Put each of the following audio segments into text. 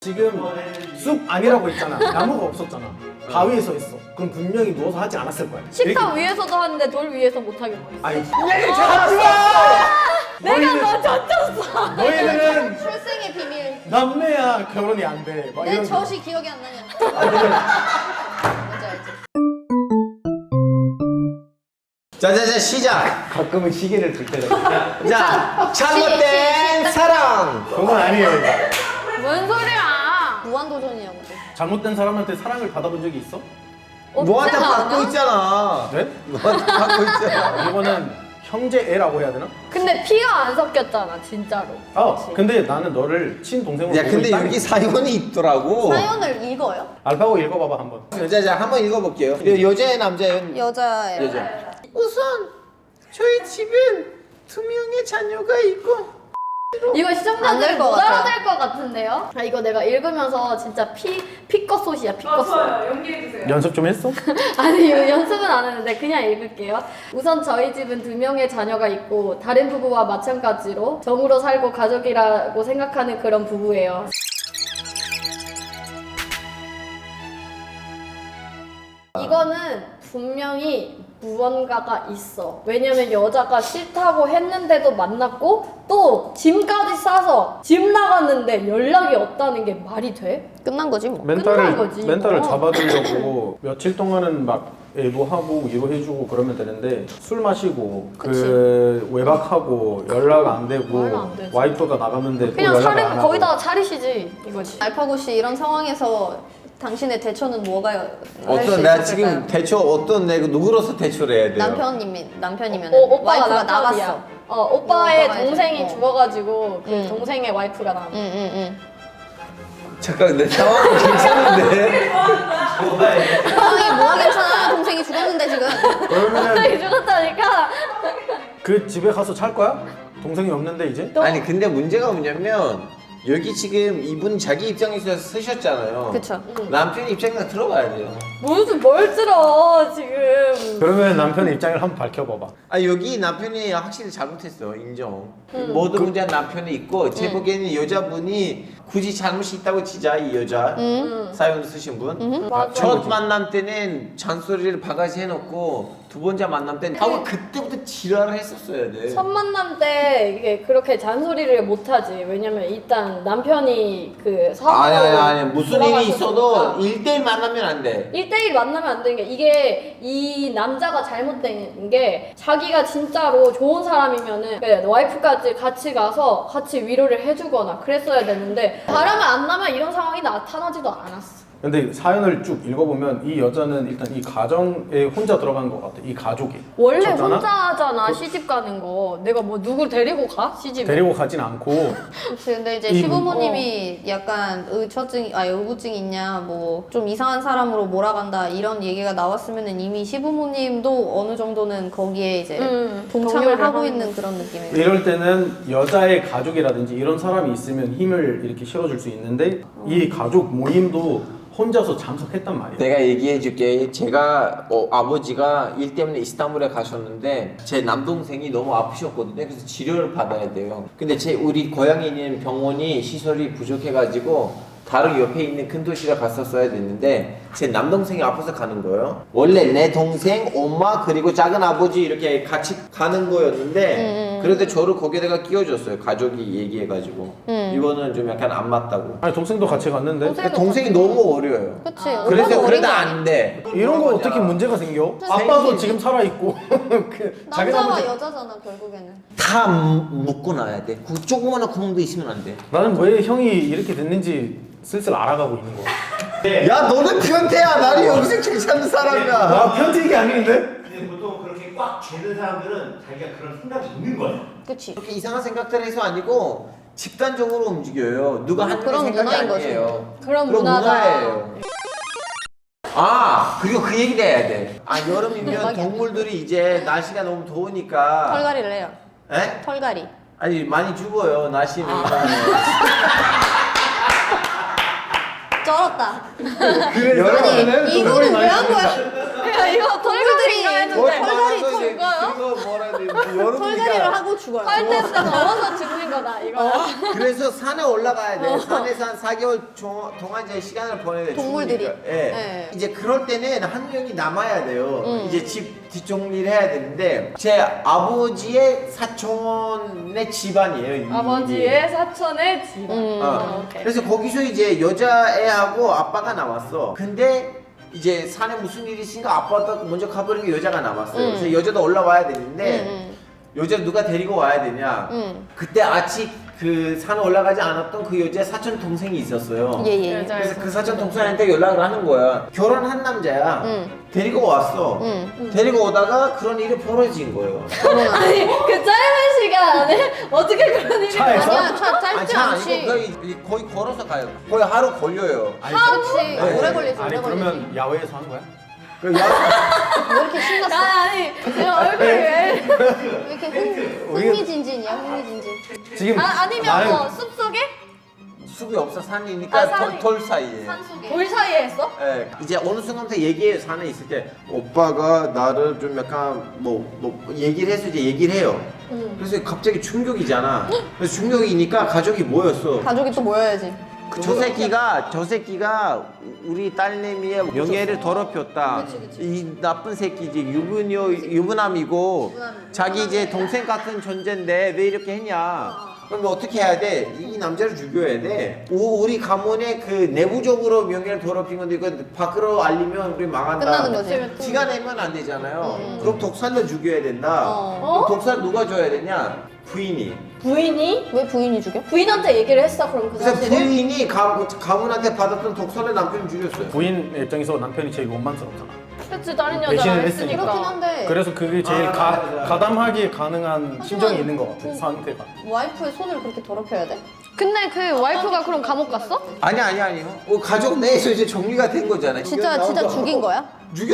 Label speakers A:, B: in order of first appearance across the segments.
A: 지금 숲 아니라고 했잖아. 나무가 없었잖아. 바위에 서 있어. 그럼 분명히 누워서 하지 않았을 거야.
B: 식탁 위에서도 하는데 돌 위에서 못 하겠어.
A: 아니, 얘기 잘하지 마!
B: 내가 너 젖혔어.
A: 너희들은
C: 출생의 비밀.
A: 남매야 결혼이 안 돼. 막
C: 내
A: 이런 거.
C: 젖이 기억이 안 나냐. 뭔지 알지?
D: 자자자 시작.
A: 가끔은 시계를 들 때가 있어.
D: 자 잘못된 사랑.
A: 그건 아니에요. 이거.
B: 뭔 소리야?
C: 무한도전이냐고.
A: 잘못된 사람한테 사랑을 받아본 적이 있어?
D: 너한테
B: 없지
D: 받고
B: 않아?
D: 있잖아.
A: 네?
D: 너한테 받고 있잖아.
A: 이거는 형제애라고 해야 되나?
B: 근데 피가 안 섞였잖아 진짜로.
A: 근데 나는 너를 친동생으로
D: 야
A: 보고
D: 근데
A: 있다니.
D: 여기 사연이 있더라고.
C: 사연을 읽어요?
A: 알파고 읽어봐봐 한번.
D: 자자 한번 읽어볼게요. 여자애 남자애?
C: 여자예요.
D: 여자. 우선 저희 집엔 2명의 자녀가 있고.
B: 이거
C: 안
B: 시청자들
C: 될 것
B: 못
C: 같아요.
B: 알아들 것 같은데요? 아 이거 내가 읽으면서 진짜 피껏소시야 피껏소.
E: 좋아요. 연기해주세요.
A: 연습 좀 했어?
B: 아니 이거 연습은 안 했는데 그냥 읽을게요. 우선 저희 집은 2명의 자녀가 있고 다른 부부와 마찬가지로 정으로 살고 가족이라고 생각하는 그런 부부예요. 이거는 분명히 무언가가 있어. 왜냐면 여자가 싫다고 했는데도 만났고 또 짐까지 싸서 집 나갔는데 연락이 없다는 게 말이 돼?
C: 끝난 거지 뭐.
B: 끝난 거지,
A: 멘탈을
B: 이거.
A: 잡아두려고 며칠 동안은 막 애도하고 위로해주고 그러면 되는데 술 마시고 그 외박하고 연락 안 되고
B: 말도 안 되지.
A: 와이프가 나갔는데 또
B: 그냥
A: 연락 안
B: 차리
A: 하고
B: 거기다가 차리시지 이거지.
C: 알파고 씨 이런 상황에서 당신의 대처는 뭐가 할수
D: 어떤 내가
C: 있을까요?
D: 지금 대처 어떤 내가 누구로서 대처를 해야 돼요?
C: 남편이면
B: 오빠가
C: 와이프가
B: 남편이야.
C: 나갔어.
B: 오빠의
C: 오빠가
B: 동생이
C: 이제,
B: 죽어가지고 그
C: 응.
B: 동생의 와이프가 나.
C: 응응응.
D: 잠깐 내 상황이 괜찮은데.
C: 상황이 뭐가 괜찮아? 동생이 죽었는데 지금.
A: 그러면은
B: 동생이 죽었다니까.
A: 그 집에 가서 잘 거야? 동생이 없는데 이제?
D: 아니 근데 문제가 뭐냐면 여기 지금 이분 자기 입장에서 쓰셨잖아요.
C: 그쵸.
D: 남편 입장에서 들어봐야 돼요.
B: 무슨 뭘 들어 지금.
A: 그러면 남편의 입장을 한번 밝혀봐봐.
D: 아 여기 남편이 확실히 잘못했어 인정. 모든 문제는 남편이 있고 제 보기에는 여자분이 굳이 잘못이 있다고 치자 이 여자 사연 쓰신 분.
B: 맞아.
D: 첫 만남 때는 잔소리를 바가지 해놓고 두 번째 만남 때는 하고 그때부터 지랄을 했었어야 돼.
B: 첫 만남 때 이게 그렇게 잔소리를 못 하지. 왜냐면 일단 남편이 그 사고로
D: 아니 무슨 일이 있어도
B: 돌아가셨으니까.
D: 1대1 만나면 안 돼.
B: 1대1 만나면 안 되는 게 이게 이 남자가 잘못된 게 자기가 진짜로 좋은 사람이면은 그래, 와이프까지 같이 가서 같이 위로를 해주거나 그랬어야 되는데 바람을 안 나면 이런 상황이 나타나지도 않았어.
A: 근데 사연을 쭉 읽어보면 이 여자는 일단 이 가정에 혼자 들어간 것 같아. 이 가족이.
B: 원래
A: 졌잖아?
B: 혼자 하잖아 시집 가는 거. 내가 뭐 누굴 데리고 가? 시집에.
A: 데리고 가진 않고
C: 그치, 근데 이제
A: 이
C: 시부모님이 약간 의구증이 있냐, 뭐 좀 이상한 사람으로 몰아간다 이런 얘기가 나왔으면은 이미 시부모님도 어느 정도는 거기에 이제 동참을
B: 동요를
C: 하고
B: 하는
C: 있는 그런 느낌이에요.
A: 이럴 때는 여자의 가족이라든지 이런 사람이 있으면 힘을 이렇게 실어줄 수 있는데 이 가족 모임도 혼자서 참석했단 말이야.
D: 내가 얘기해 줄게. 제가 아버지가 일 때문에 이스탄불에 가셨는데 제 남동생이 너무 아프셨거든요. 그래서 치료를 받아야 돼요. 근데 우리 고향에 있는 병원이 시설이 부족해가지고 다른 옆에 있는 큰 도시를 갔었어야 됐는데 제 남동생이 아파서 가는 거예요. 원래 내 동생, 엄마 그리고 작은 아버지 이렇게 같이 가는 거였는데 그래도 저를 거기다가 끼워줬어요. 가족이 얘기해가지고 이거는 좀 약간 안 맞다고.
A: 아니 동생도 같이 갔는데
D: 동생이 너무 어려요.
C: 그치.
D: 그래서
C: 오빠도 어린
D: 그래도
C: 거 아니야?
D: 안 돼.
A: 이런 거 어떻게 문제가 생겨? 아빠도 지금 살아 있고 그 자기
C: 남자와
A: 잘못이-
C: 여자잖아 결국에는.
D: 다 묶고 놔야 돼. 그 조그마한 구멍도 있으면 안 돼.
A: 나는 왜 형이 이렇게 됐는지 슬슬 알아가고 있는 거야.
D: 야 너는 변태야. 나는 여기서 괜찮은 사람이야.
A: 나 편집이 아닌데?
F: 근데 보통 그렇게 꽉 죄는 사람들은 자기가 그런 생각이 있는 거야.
C: 그치.
D: 그렇게 이상한 생각들 해서 아니고 집단적으로 움직여요. 누가 하는
C: 그런
D: 생각이
C: 문화인 거지.
D: 아니에요.
B: 그런
D: 그런
B: 문화다.
D: 문화예요. 아 그리고 그 얘기를 해야 돼. 아 여름이면
C: 대박이야.
D: 동물들이 이제 날씨가 너무 더우니까.
C: 털갈이를 해요.
D: 에?
C: 털갈이.
D: 아니 많이 죽어요. 날씨는.
C: 쩔었다.
D: 그래
A: 여름에는
C: 이거는 왜 한 거야?
B: 야 이거 털들이
C: 털들이
B: 했는데
D: 머리
C: 털갈이
D: 많아서 이제
C: 털까요?
D: 그거 뭐라 해야 되는데.
C: 털갈이를 하고 죽어요.
B: 팔 넘어서 죽는 거다 이거.
D: 그래서 산에 올라가야 돼. 산에서 한 4개월 동안 이제 시간을 보내야 돼.
C: 동물들이.
D: 죽으니까. 예.
C: 네.
D: 이제 그럴 때는 한 명이 남아야 돼요. 이제 집 뒷정리를 해야 되는데 제 아버지의 사촌의 집안이에요. 이
B: 아버지의 사촌의 집안. 오케이.
D: 그래서 거기서 이제 여자애하고 아빠가 나왔어. 근데 이제 산에 무슨 일이 있으니까 아빠가 먼저 가버리니까 여자가 남았어요. 그래서 여자도 올라와야 되는데 여자 누가 데리고 와야 되냐? 그때 아직 그 산에 올라가지 않았던 그 여자의 사촌 동생이 있었어요.
C: 예예.
D: 그래서 그 사촌 동생한테 연락을 하는 거야. 결혼한 남자야. 데리고 왔어. 데리고 오다가 그런 일이 벌어진 거예요.
B: 아니 그 짧은 시간 안에 어떻게 그런 일이
A: 차에서?
C: 아니야, 짧지
D: 아니, 차
C: 않지.
D: 아니고 거의 걸어서 가요. 거의 하루 걸려요.
C: 그렇지.
D: 네.
C: 오래 걸리지.
A: 아니
C: 오래 걸리지.
A: 그러면 야외에서 한 거야?
D: 그
C: 왜 이렇게 신났어?
B: 아니 그냥 얼굴이 왜?
C: 왜 이렇게 흥미진진이야, 흥미진진.
A: 지금
B: 아니면
A: 나는
B: 뭐 숲속에?
D: 숲이 없어 산이니까
B: 아, 산이-
D: 돌 사이에.
C: 산속에.
B: 돌 사이에 했어?
D: 예, 이제 어느 순간부터 얘기해요. 산에 있을 때 오빠가 나를 좀 약간 뭐 얘기를 해서 이제 얘기를 해요. 그래서 갑자기 충격이잖아. 그래서 충격이니까 가족이 모였어.
C: 가족이 또 모여야지.
D: 저 새끼가 우리 딸내미의 명예를 더럽혔다. 이 나쁜 새끼지 유부남이고 자기 이제 동생 같은 존재인데 왜 이렇게 했냐? 그럼 어떻게 해야 돼? 이 남자를 죽여야 돼. 우리 가문의 그 내부적으로 명예를 더럽힌 건데 이거 밖으로 알리면 우리 망한다.
C: 끝나는 거지.
D: 티가 내면 안 되잖아요. 그럼 독살로 죽여야 된다.
C: 어.
D: 그럼 독살 누가 줘야 되냐? 부인이.
B: 부인이?
C: 왜 부인이 죽여?
B: 부인한테 얘기를 했어 그럼 그
D: 그래서
B: 사실을?
D: 부인이 가문한테 받았던 독살을 남편이 죽였어요.
A: 부인 입장에서 남편이 제일 원망스럽잖아.
B: 그치 다른 여자랑
A: 배신을
B: 했으니까.
C: 그렇긴 한데
A: 그래서 그게 제일
D: 맞아.
A: 가담하게 가능한 심정이 있는 것 같아. 상태가.
C: 와이프의 손을 그렇게 더럽혀야 돼?
B: 근데 그 와이프가 그럼 감옥 갔어?
D: 아니요. 가족 내에서 이제 정리가 된 거잖아요.
C: 진짜 죽인 거야?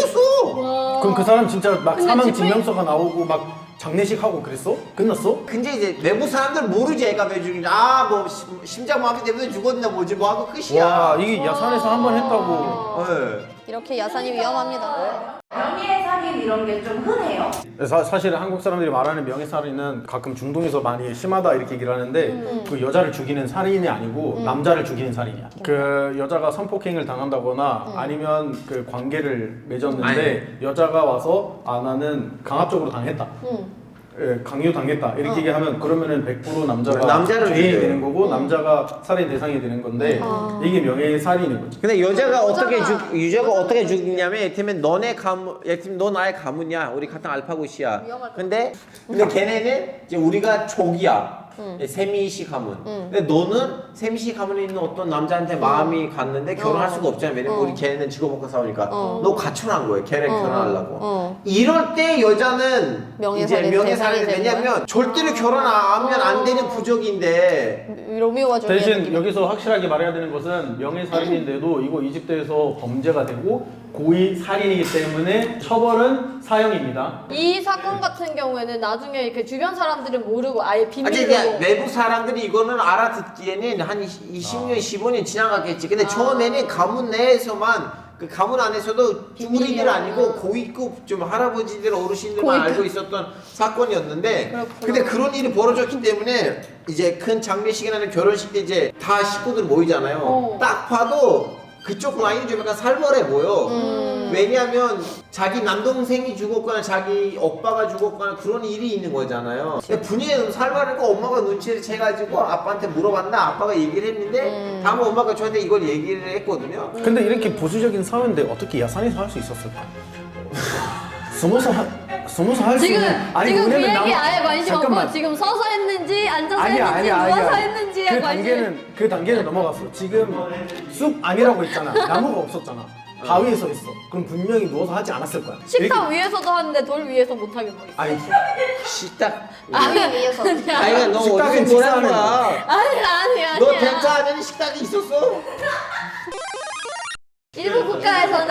D: 죽였어.
A: 그럼 그 사람 진짜 막
B: 근데
A: 사망
B: 집에-
A: 증명서가 나오고 막 장례식 하고 그랬어? 끝났어?
D: 근데 이제 내부 사람들 모르지 애가 왜 죽인지. 뭐 심장마비 때문에 죽었나 뭐지 뭐 하고 끝이야.
A: 와 이게 야산에서 한 번 했다고.
D: 네.
C: 이렇게 야산이 위험합니다.
E: 명예살인 이런 게 좀 흔해요.
A: 사실 한국 사람들이 말하는 명예살인은 가끔 중동에서 많이 심하다 이렇게 얘기를 하는데 그 여자를 죽이는 살인이 아니고 남자를 죽이는 살인이야. 그 여자가 성폭행을 당한다거나 아니면 그 관계를 맺었는데 여자가 와서 나는 강압적으로 당했다. 예, 강요 당했다 이렇게 얘기하면 그러면은 100% 남자가
D: 남자를
A: 죄인이
D: 죽여요.
A: 되는 거고 남자가 살인 대상이 되는 건데 이게 명예살인인 거지.
D: 근데 여자가 어떻게 죽이냐면 예를 너네 가문, 너 나의 가문이야. 우리 같은 알파고시야. 근데 걔네는 이제 우리가 족이야. 세미씨 가문. 근데 너는 세미씨 가문에 있는 어떤 남자한테 마음이 갔는데 결혼할 수가 없잖아. 왜냐면 우리 걔네는 직업먹고 싸우니까. 너 가출한 거야. 걔랑 결혼하려고. 이럴 때 여자는
C: 명예살인
D: 이제
C: 대상이 되는
D: 왜냐면 절대로 결혼하면 안 되는 부족인데
C: 로미오와 줄리엣
A: 대신
C: 느낌.
A: 여기서 확실하게 말해야 되는 것은 명예살인인데도 이거 이집트에서 범죄가 되고 고의 살인이기 때문에 처벌은 사형입니다.
B: 이 사건 같은 경우에는 나중에 그 주변 사람들은 모르고 아예
D: 아니
B: 비밀로
D: 그냥 내부 사람들이 이거는 알아듣기에는 한 20년, 15년 지나갔겠지. 근데 처음에는 가문 내에서만 그 가문 안에서도 우리들 아니고 고위급 좀 할아버지들 어르신들만 알고 있었던 사건이었는데 근데 그런 일이 벌어졌기 때문에 이제 큰 장례식이나 결혼식 때 이제 다 식구들 모이잖아요. 딱 봐도 그쪽 라인이 좀 약간 살벌해 보여. 왜냐하면 자기 남동생이 죽었거나 자기 오빠가 죽었거나 그런 일이 있는 거잖아요. 근데 분위기가 너무 살벌하니까 엄마가 눈치를 채가지고 아빠한테 물어봤나 아빠가 얘기를 했는데 다음에 엄마가 저한테 이걸 얘기를 했거든요.
A: 근데 이렇게 보수적인 사회인데 어떻게 야산에서 할 수 있었을까? 숨어서 할 수
B: 지금
A: 있는
B: 지금 그 얘기
A: 나무-
B: 아예 관심
A: 잠깐만.
B: 없고 지금 서서 했는지 앉아서
A: 아니야,
B: 했는지
A: 아니야,
B: 누워서
A: 아니야.
B: 했는지에 관심.
A: 그 단계는 넘어갔어. 지금 숲 아니라고 했잖아. 나무가 없었잖아. 바위에 서 있어. 그럼 분명히 누워서 하지 않았을 거야.
B: 식탁 위에서도 하는데 돌 위에서 못 하게 뭐 있어.
A: 아니
D: 식탁.
C: 바위 위에서.
D: 아니 너
A: 식탁엔
D: 어디서 뭐라는
A: 식사하는
D: 거야?
B: 아니야.
D: 너 덴트 하면 식탁이 있었어?
B: 일부 국가에서는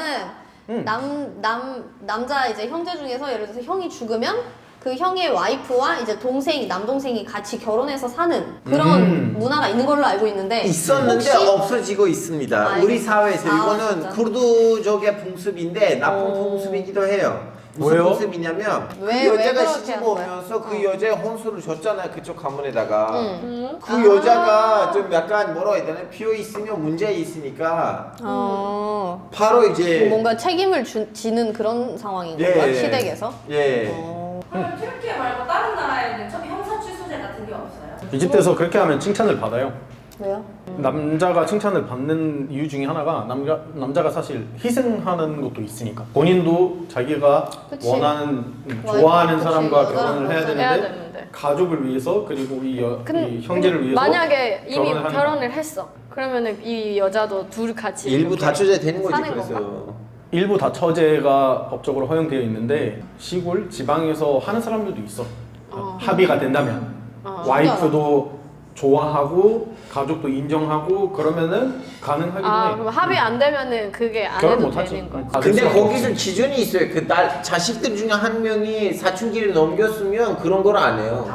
C: 남자 이제 형제 중에서 예를 들어서 형이 죽으면 그 형의 와이프와 이제 남동생이 같이 결혼해서 사는 그런 문화가 있는 걸로 알고 있는데
D: 있었는데
C: 혹시
D: 없어지고 있습니다.
C: 아,
D: 우리 사회에서
C: 아,
D: 이거는
C: 진짜?
D: 쿠르드족의 풍습인데 나쁜 풍습이기도 해요. 무슨
A: 뭐예요?
D: 모습이냐면 그
C: 왜
D: 여자가
C: 그렇게
D: 시집
C: 하는 거야?
D: 오면서 그 여자의 혼수를 줬잖아요. 그쪽 가문에다가.
C: 응.
D: 그 여자가 좀 약간 뭐라 해야 되나 비어 있으면 문제 있으니까 바로 이제
C: 뭔가 책임을 지는 그런 상황인
D: 예,
C: 건가?
D: 예.
C: 시댁에서?
D: 예.
E: 그럼 튀르키예 말고 다른 나라에는 형사 취소제 같은 게 없어요?
A: 이집트에서 그렇게 하면 칭찬을 받아요.
C: 왜요?
A: 남자가 칭찬을 받는 이유 중에 하나가 남자가 사실 희생하는 것도 있으니까 본인도 자기가
C: 그치.
A: 원하는
C: 와이프,
A: 좋아하는
C: 그치.
A: 사람과
C: 여자랑
A: 결혼을 해야
C: 결혼을
B: 해야
A: 되는데
B: 되는데.
A: 가족을 위해서 그리고 이 형제를 위해서
B: 만약에 이미
A: 결혼을 하니까.
B: 결혼을 했어. 그러면은 이 여자도 둘 같이
D: 일부
B: 이렇게
D: 다처제 되는 거지
B: 사는
D: 그래서.
B: 건가?
A: 일부 다처제가 법적으로 허용되어 있는데 시골 지방에서 하는 사람들도 있어. 합의가 된다면 와이프도 좋아하고 가족도 인정하고 그러면은 가능하기도 해.
B: 그럼 합의 안 되면은 그게 안
A: 결혼
B: 해도
A: 못 하지.
B: 되는 거지.
A: 아,
D: 근데
A: 그렇죠.
D: 거기서 기준이 있어요. 그 딸 자식들 중에 한 명이 사춘기를 넘겼으면 그런 걸 안 해요.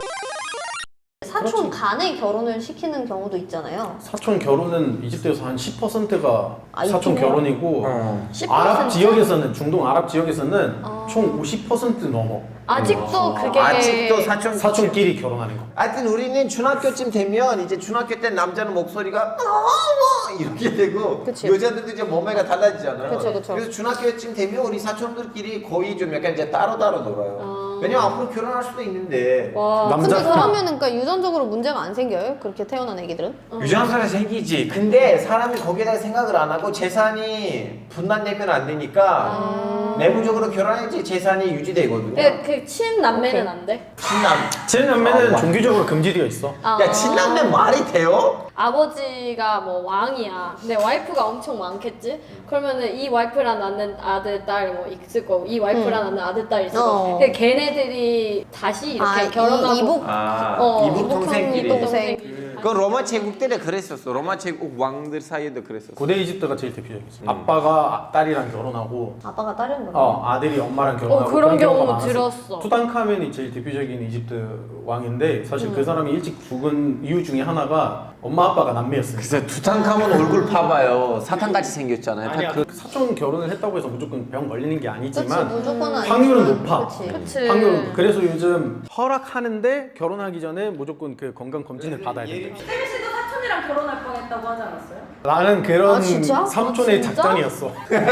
C: 사촌 간에 결혼을 시키는 경우도 있잖아요.
A: 사촌 결혼은 이집트에서 한 10%가
C: 아,
A: 사촌
C: 이쪽이요?
A: 결혼이고
B: 10%?
A: 아랍 지역에서는 중동 아랍 지역에서는 총 50% 넘어.
B: 아직도 그게
D: 아직도
A: 사촌끼리 결혼하는 거.
D: 하여튼 우리는 중학교쯤 되면 이제 중학교 때 남자는 목소리가 어머 이렇게 되고
C: 그치.
D: 여자들도 이제 몸매가 달라지잖아요.
C: 그쵸.
D: 래서 중학교쯤 되면 우리 사촌들끼리 거의 좀 약간 이제 따로 놀아요. 왜냐면 앞으로 결혼할 수도 있는데
B: 와.
A: 남자
C: 근데 그러면은 그러니까 유전적으로 문제가 안 생겨요? 그렇게 태어난 애기들은?
D: 유전자가 생기지. 근데 사람이 거기에다가 생각을 안 하고 재산이 분란되면 안 되니까 내부적으로 결혼해야지 재산이 유지되거든요.
B: 그 친남매는 안 돼?
D: 친남.
A: 친남매는
D: 아,
A: 종교적으로 금지되어 있어.
D: 야 친남매 말이 돼요?
B: 아버지가 뭐 왕이야. 근데 와이프가 엄청 많겠지? 그러면은 이 와이프랑 낳는 아들, 딸 뭐 있을 거고, 이 와이프랑 낳는 아들, 딸 있을 거고. 근데 걔네들이 다시 이렇게 결혼하고.
C: 이복
D: 이북 동생끼리.
C: 동생.
D: 그 로마 제국 때는 그랬었어. 로마 제국 왕들 사이에도 그랬었어.
A: 고대 이집트가 제일 대표적이지. 아빠가 딸이랑 결혼하고
C: 아빠가 다른 거네.
A: 아들이 엄마랑 결혼하고
B: 그런
A: 경우가
B: 경우
A: 많았어.
B: 들었어.
A: 투탕카멘이 제일 대표적인 이집트 왕인데 사실 그 사람이 일찍 죽은 이유 중에 하나가 엄마 아빠가 남매였으니까.
D: 그래서 두탕카몬 얼굴 봐봐요. 사탄같이 생겼잖아요.
A: 아니야,
D: 다 그...
A: 사촌 결혼을 했다고 해서 무조건 병 걸리는 게
C: 그치
A: 아니지만
C: 무조건 아니지만
A: 확률은 높아.
C: 그치.
B: 그치.
A: 확률은 그래서 요즘 허락하는데 결혼하기 전에 무조건 그 건강 검진을 받아야 된다.
E: 세미 씨도 사촌이랑 결혼할 뻔했다고 하지 않았어요?
A: 나는 그런
C: 아, 진짜?
A: 삼촌의
B: 진짜?
A: 작전이었어.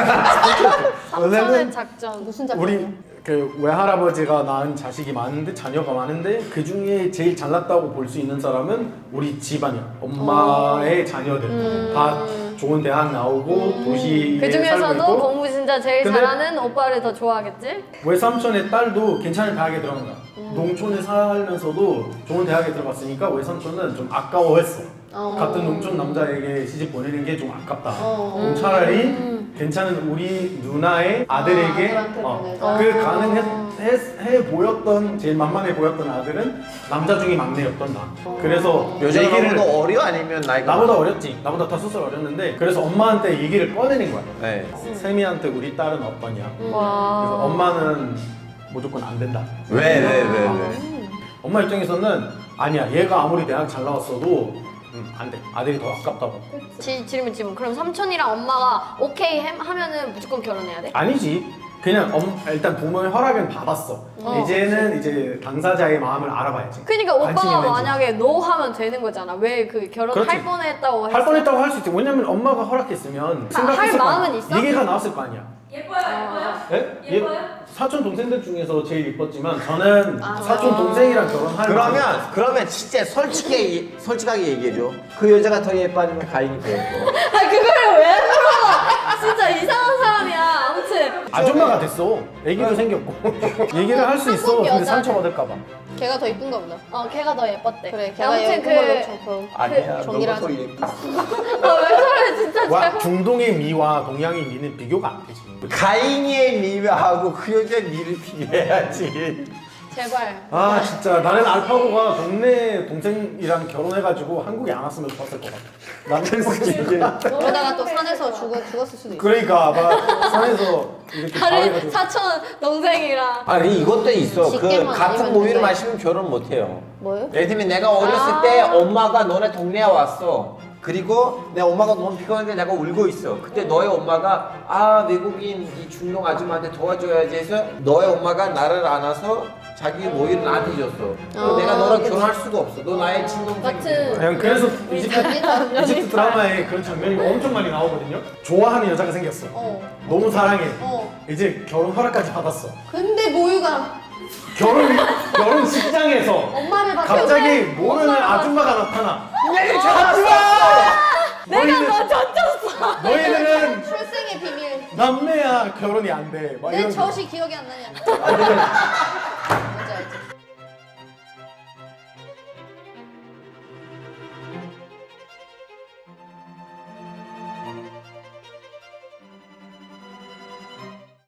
B: 삼촌의 작전.
C: 무슨 작품이야?
A: 우리 그 외할아버지가 낳은 자식이 많은데 자녀가 많은데 그 중에 제일 잘났다고 볼 수 있는 사람은 우리 집안이야. 엄마의 자녀들 다 좋은 대학 나오고 도시에
B: 그
A: 살고
B: 중에서도
A: 있고.
B: 공부 진짜 제일
A: 근데-
B: 잘하는 오빠를 더 좋아하겠지?
A: 외삼촌의 딸도 괜찮은 대학에 들어간 거야. 농촌에 살면서도 좋은 대학에 들어갔으니까 외삼촌은 좀 아까워했어. 같은 농촌 남자에게 시집 보내는 게 좀 아깝다. 그럼 차라리 괜찮은 우리 누나의 아들에게
C: 아들한테 보내자.
A: 그 가능해 보였던 제일 만만해 보였던 아들은 남자 중에 막내였던 나. 그래서
D: 여자가
A: 얘기를
D: 나보다 어려 아니면 나이가
A: 나보다 어렸지. 나보다 5살 어렸는데 그래서 엄마한테 얘기를 꺼내는 거야.
D: 네.
A: 세미한테 우리 딸은 어떠냐.
B: 와.
A: 그래서 엄마는 무조건 안 된다.
D: 왜?
A: 엄마 입장에서는 아니야. 얘가 아무리 대학 잘 나왔어도 안 돼. 아들이 더 아깝다고.
B: 질문. 그럼 삼촌이랑 엄마가 오케이 하면은 무조건 결혼해야 돼?
A: 아니지. 그냥 일단 부모의 허락은 받았어. 이제는 이제 당사자의 마음을 알아봐야지.
B: 그러니까
A: 관심이
B: 오빠가
A: 있는지.
B: 만약에 노 하면 되는 거잖아. 왜 그 결혼할
A: 그렇지.
B: 뻔했다고 했어?
A: 할 뻔했다고 할 수 있지. 왜냐면 엄마가 허락했으면 생각했을 거
B: 마음은
A: 아니야.
B: 있어?
A: 얘기가 나왔을 거 아니야.
E: 예뻐요?
A: 예?
E: 예뻐요?
A: 사촌 동생들 중에서 제일 이뻤지만 저는 사촌 동생이랑 결혼할
D: 그러면 진짜 솔직하게 얘기해줘. 그 여자가 더 예뻐 아니면 가인이 더 예뻐?
B: 그거를 왜 물어봐? 진짜 이상한 사람이야. 아무튼
A: 아줌마가 됐어. 애기도 생겼고 얘기를 할 수 있어.
B: 한국
A: 근데
B: 여자는-
A: 상처받을까봐.
C: 걔가 더 이쁜가 보다.
B: 걔가 더 예뻤대.
C: 그래, 걔가
B: 아무튼
C: 예쁜 걸로 좀
D: 아니야.
C: 정리를
D: 너가 더
C: 하자.
D: 예뻐.
B: 왜 저래 진짜
A: 와, 중동의 미와 동양의 미는 비교가 안 되지.
D: 가인이의 미하고 그 여자의 미를 비교해야지.
B: 제발.
A: 아 진짜 나는 알파고가 동네 동생이랑 결혼해가지고 한국에 안 왔으면 좋았을 것 같아. 나는 솔직히
C: 그러다가 또 산에서 죽었을 수도 있어.
A: 그러니까 막 산에서 이렇게
B: 다른
A: 가해가지고
B: 사촌 동생이랑.
D: 아니 이것도 있어. 그
C: 직계만
D: 같은
C: 아니면
D: 모유를
C: 누가
D: 마시면 결혼 못 해요.
C: 뭐요?
D: 예를 들면 내가 어렸을 때 엄마가 너네 동네에 왔어. 그리고 내 엄마가 너무 피곤한데 내가 울고 있어. 그때 너의 엄마가 아 외국인 이 중동 아줌마한테 도와줘야지 해서 너의 엄마가 나를 안아서 자기 모이를 나한테 줬어. 그럼 내가 너랑 결혼할 수가 없어. 너 나의 친동생이야.
B: 같은
A: 그냥 그래서 이집트 드라마에 그런 장면이 엄청 많이 나오거든요. 좋아하는 여자가 생겼어. 너무 사랑해. 이제 결혼 허락까지 받았어.
C: 근데 모유가
A: 결혼식장에서
C: 엄마를 막
A: 갑자기 모르는 아줌마가 나타나.
B: 내가 너 젖혔어.
A: 너희들은
C: 출생의 비밀.
A: 남매야 결혼이 안 돼. 막
C: 내
A: 이런.
C: 젖이 기억이 안 나냐.